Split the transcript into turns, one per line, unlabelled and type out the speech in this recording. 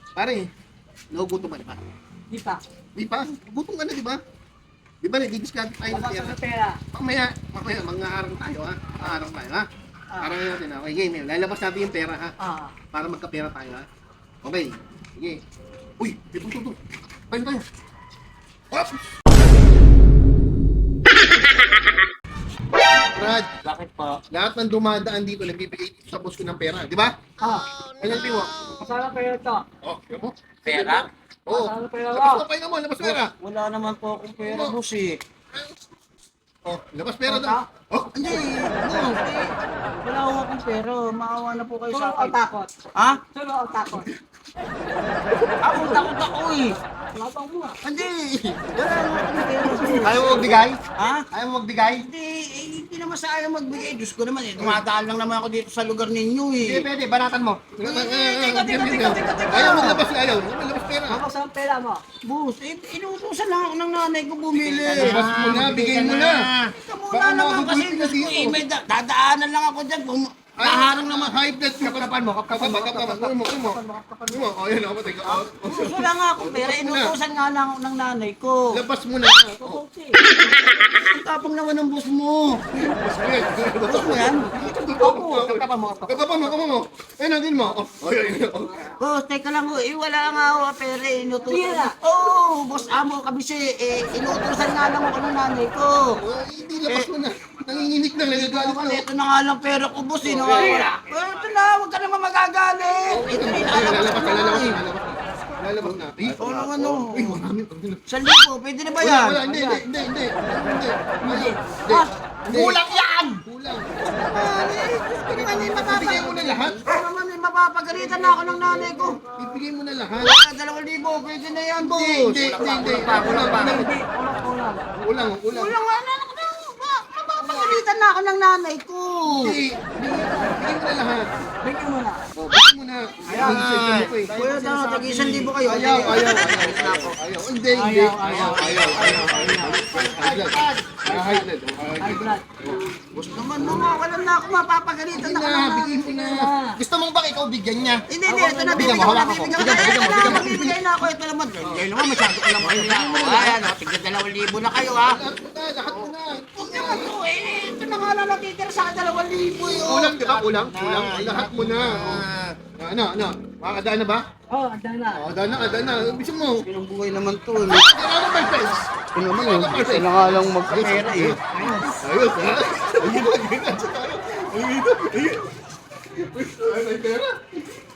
Pare, nagugutom ka na ba?
Di pa.
Di pa? Gutom ka na, di ba? Di ba, nagdi-discount tayo ng
Wala
pera?
sa pera.
Mamaya, mga-arang tayo, ha? Mga-arang tayo, ha? Arang natin, ha? Okay, game, lalabas natin yung pera, ha?
Ah.
Para magkapera tayo, ha? Okay, sige. Uy, ito. Tayo. Oops! Brad,
Bakit po?
lahat ng dumadaan dito, nagbibigay dito sa boss ko ng pera, di ba?
Ah.
Ano yung mo?
Masarap pera to.
Oh, yun mo?
Pera?
Oo.
Masarap pera
Labas
mo.
na pahinga mo, labas pera.
Wala naman po akong pera, boss eh.
Oh, labas pera
Ota?
daw. Oh,
Hindi, boss. Wala akong pera. Maawa na po kayo
Solo
sa
ang
akin.
takot.
Ha?
Solo ang takot.
Ako takot ako eh.
Labang mo ah.
Hindi. Wala naman akong pera, boss.
ayaw mo magbigay?
Ha?
Ayaw mo magbigay?
Hindi naman sa ayaw magbigay. Diyos ko naman eh. Tumataan lang naman ako dito sa lugar ninyo eh.
Hindi, pwede, banatan mo.
Teka.
Ayaw maglabas, ayaw. Maglabas pera.
Labas ang pera mo.
Boss, inuutosan lang ako ng nanay ko bumili.
Labas mo na, bigay mo na.
Teka
Baka
muna naman kasi
makakabulti ka
Diyos ko eh.
dito.
May dadaanan lang ako dyan. Kaharang naman.
High blood, kapkapan mo. Uy mo. Oh, yun, ako, teka.
Boss, wala nga akong pera. Inuutosan nga lang ako ng nanay ko.
Labas mo na. Oh,
Okay.
Ang tapang naman ng boss mo.
labas
mo yan?
Kapkapan mo. Ayun, nandun mo. Oh, yun.
Boss, teka lang ho. Wala nga ako pera. Inutusan.
Pera?
Oo, boss amo kabisi. Inutusan nga lang ako ng nanay ko.
Hindi, labas mo na. Nanginginig na, nagagalit
Ako,
na.
ito na nga lang pera ko, boss. Ito na, huwag ka naman magagalit. Ito rin,
Lalabas na. Eh,
ano?
Uy, marami.
1,000, pwede na ba yan?
Wala, hindi.
Kulang yan!
Kulang.
Gusto naman
Ibigay mo na lahat.
naman mapapagalitan na ako ng nanay ko.
Ibigay mo na lahat.
2,000, pwede na yan, boss.
Hindi.
Hindi. Kulang.
Kulang.
Kulang nga na ako. Mapapagalitan na ako ng nanay ko.
Hindi. Ibigay mo na lahat.
Bigyan mo na.
Oh, bigay mo na.
Ayan. Kuya, tag-1,000 kayo.
Ayaw. Hindi.
Ayaw.
High blood.
High blood.
Boss naman, wala na ako mapapagalitan na ako ng nanay.
Bigay mo na. Gusto mong ba ikaw bigyan niya?
Hindi, ito na,
Bigyan mo, hawak ako. Bigyan mo.
bibigyan na ako. Ito naman, hindi naman, masyado ko lang kayo lang. Ayan, tignan 2,000 na kayo, ha?
Lahat mo na.
Huwag naman to, ito na nga lang natitira sa akin, 2,000 yun.
Kulang, di ba? Kulang. Lahat mo na. Ano? Makakadaan na ba?
Oh, andan na.
Daan na. Bisin mo.
Pinang buhay naman to, eh.
Ano ba, friends?
Ito naman, ito na nga lang magkapera, eh.
Ayos, ha? Ayun, tayo. Ayun. Ay, may pera.